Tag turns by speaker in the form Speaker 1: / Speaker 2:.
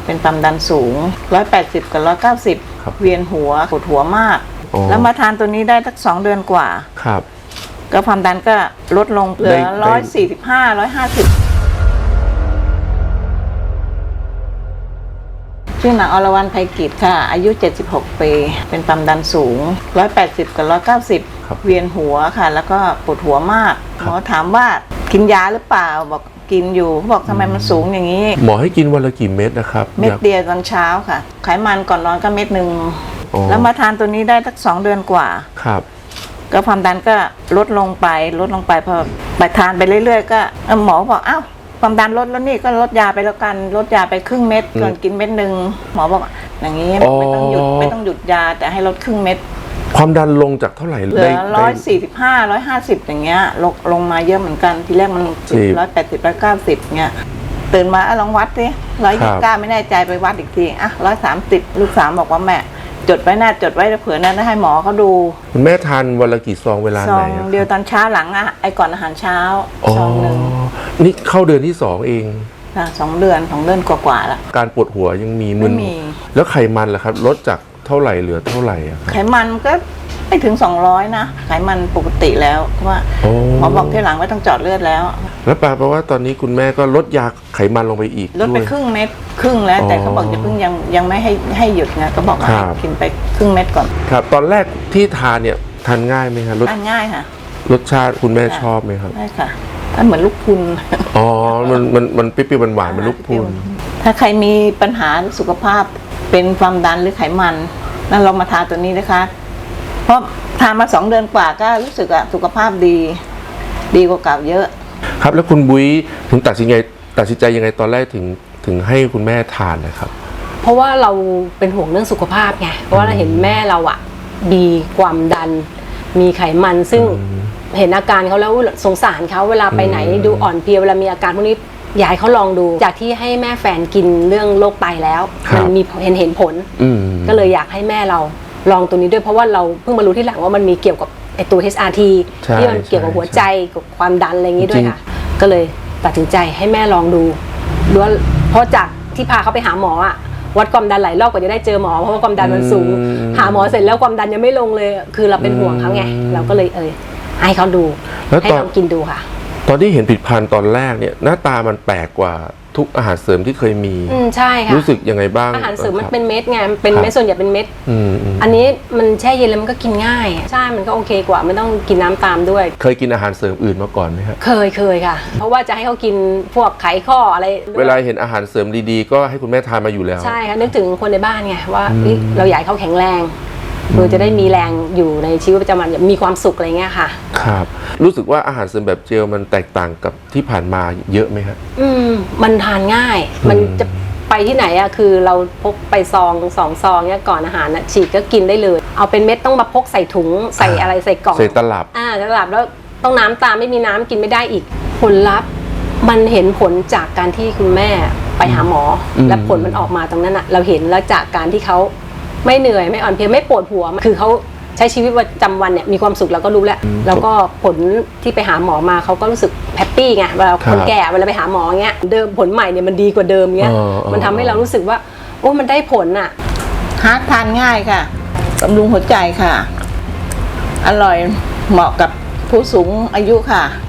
Speaker 1: เป็นความดันสูง180กับ190เวียนหัวปวดหัวมากแล้วมาทานตัวนี้ได้สัก2 เดือนกว่า
Speaker 2: ครับ
Speaker 1: ก็ความดันก็ลดลงเหลือ145 150ชื่อนางอรวรรณไพกิจค่ะอายุ76ปีเป็นความดันสูง180กับ190เวียนหัวค่ะแล้วก็ปวดหัวมากหมอถามว่ากินยาหรือเปล่าบอกกินอยู่เขาบอกทำไมมันสูงอย่างนี้
Speaker 2: หมอให้กินวันละกี่เม็ดนะครับ
Speaker 1: เม็ดเดียวตอนเช้าค่ะไขมันก่อนนอนก็เม็ดหนึ่งแล้วมาทานตัวนี้ได้สัก2 เดือนกว่า
Speaker 2: ครับ
Speaker 1: ก็ความดันก็ลดลงไปพอไปทานไปเรื่อยๆก็หมอบอกอ้าวความดันลดแล้วนี่ก็ลดยาไปแล้วกันลดยาไปครึ่งเม็ดก่อนกินเม็ดหนึ่งหมอบอกอย่างนี้ไม่ต้องหยุดยาแต่ให้ลดครึ่งเม็ด
Speaker 2: ความดันลงจากเท่าไหร่
Speaker 1: เหลือ145 150อย่างเงี้ยลงมาเยอะเหมือนกันทีแรกมัน180 190เงี้ยตื่นมาลองวัดสิ129ไม่แน่ใจไปวัดอีกที130ลูกสาวบอกว่าแม่จดไว้จดไว้เผื่อนั้นให้หมอเขาดู
Speaker 2: คุณแม่ทานวันละกี่ซองเวลาไหน
Speaker 1: ซองเดียวตอนเช้าหลังก่อนอาหารเช้าซองนึง
Speaker 2: นี่เข้าเดือนที่2เอง
Speaker 1: ค่ะ2 เดือนกว่าๆแล้ว
Speaker 2: การปวดหัวยังมีมึนแล้วไขมันล่ะครับลดจากเท่าไหร่เหลือเท่าไหร่
Speaker 1: ไขมันก็ไม่ถึง200นะไขมันปกติแล้วเพราะว่าหมอบอกที่หลังไม่ต้องเจาะเลือดแล้ว
Speaker 2: แล้วแปลว่าตอนนี้คุณแม่ก็ลดยาไขมันลงไปอีก
Speaker 1: ลดไปครึ่งเม็ดแล้วแต่เขาบอกจะเพิ่งยังไม่ให้หยุดนะก็บอกให้กินไปครึ่งเม็ดก่อน
Speaker 2: ครับตอนแรกที่ทานเนี่ยทานง่ายไหมครับ
Speaker 1: ทานง่ายค่ะ
Speaker 2: รสชาติคุณแม่ชอบไหมครับ
Speaker 1: ใช่ค่ะมันเหมือนลูกพุน
Speaker 2: มันเปรี้ยวๆหวานๆเหมือนลูกพุน
Speaker 1: ถ้าใครมีปัญหาสุขภาพเป็นความดันหรือไขมันนั่นลองมาทานตัวนี้นะคะเพราะทานมา2 เดือนกว่าก็รู้สึกสุขภาพดีกว่าเก่าเยอะ
Speaker 2: ครับแล้วคุณบุ้ยถึงตัดสินใจยังไงตอนแรกถึงให้คุณแม่ทานนะครับ
Speaker 3: เพราะว่าเราเป็นห่วงเรื่องสุขภาพไงเพราะว่าเราเห็นแม่เรามีความดันมีไขมันซึ่งเห็นอาการเขาแล้วสงสารเขาเวลาไปไหนดูอ่อนเพลียเวลามีอาการพวกนี้อยากให้เขาลองดูจากที่ให้แม่แฟนกินเรื่องโรคไตแล้วมันมีเห็นผลก็เลยอยากให้แม่เราลองตัวนี้ด้วยเพราะว่าเราเพิ่งมารู้ที่หลังว่ามันมีเกี่ยวกับไอตัว HRT ที่มันเกี่ยวกับหัวใจกับความดันอะไรอย่างนี้ด้วยค่ะก็เลยตัดสินใจให้แม่ลองดูด้วยเพราะจากที่พาเขาไปหาหมอวัดความดันหลายรอบกว่าจะได้เจอหมอเพราะว่าความดันมันสูงหาหมอเสร็จแล้วความดันยังไม่ลงเลยคือเราเป็นห่วงเขาไงเราก็เลยให้เขาดูให้ลองกินดูค่ะ
Speaker 2: ตอนที่เห็นผลิตภัณฑ์ตอนแรกเนี่ยหน้าตามันแปลกกว่าทุกอาหารเสริมที่เคยมี
Speaker 3: ใช่ค่ะ
Speaker 2: รู้สึกยังไงบ้าง
Speaker 3: อาหารเสริมมันเป็นเม็ดไงเป็นเม็ดส่วนใหญ่เป็นเม็ดอันนี้มันแช่เย็นแล้วมันก็กินง่ายใช่มันก็โอเคกว่าไม่ต้องกินน้ำตามด้วย
Speaker 2: เคยกินอาหารเสริมอื่นมาก่อนไหมครับ
Speaker 3: เคยค่ะเพราะว่าจะให้เขากินพวกไขข้ออะไร
Speaker 2: เวลาเห็นอาหารเสริมดีๆก็ให้คุณแม่ทานมาอยู่แล้ว
Speaker 3: ใช่ค่ะนึกถึงคนในบ้านไงว่าเราอยากให้เขาแข็งแรงเพื่อจะได้มีแรงอยู่ในชีวิตประจำวันมีความสุขอะไรเงี้ยค่ะ
Speaker 2: ครับรู้สึกว่าอาหารเสริมแบบเจลมันแตกต่างกับที่ผ่านมาเยอะไหมครับ
Speaker 3: มันทานง่ายมันจะไปที่ไหนคือเราพกไป2 ซองเนี่ยก่อนอาหารฉีกก็กินได้เลยเอาเป็นเม็ดต้องมาพกใส่ถุงใส่อะไรใส่กล่อง
Speaker 2: ใส่ตลับ
Speaker 3: แล้วต้องน้ำตามไม่มีน้ำกินไม่ได้อีกผลลัพธ์มันเห็นผลจากการที่คุณแม่ไปหาหมอและผลมันออกมาตรงนั้นเราเห็นแล้วจากการที่เขาไม่เหนื่อยไม่อ่อนเพลียไม่ปวดหัวคือเขาใช้ชีวิตประจำวันเนี่ยมีความสุขเราก็รู้แล้วก็ผลที่ไปหาหมอมาเขาก็รู้สึกแฮปปี้ไงเวลาคนแก่เวลาไปหาหมอเงี้ยเดิมผลใหม่เนี่ยมันดีกว่าเดิมเงี้ยมันทำให้เรารู้สึกว่าโอ้มันได้ผล
Speaker 1: ฮาร์ดทานง่ายค่ะบำรุงหัวใจค่ะอร่อยเหมาะกับผู้สูงอายุค่ะ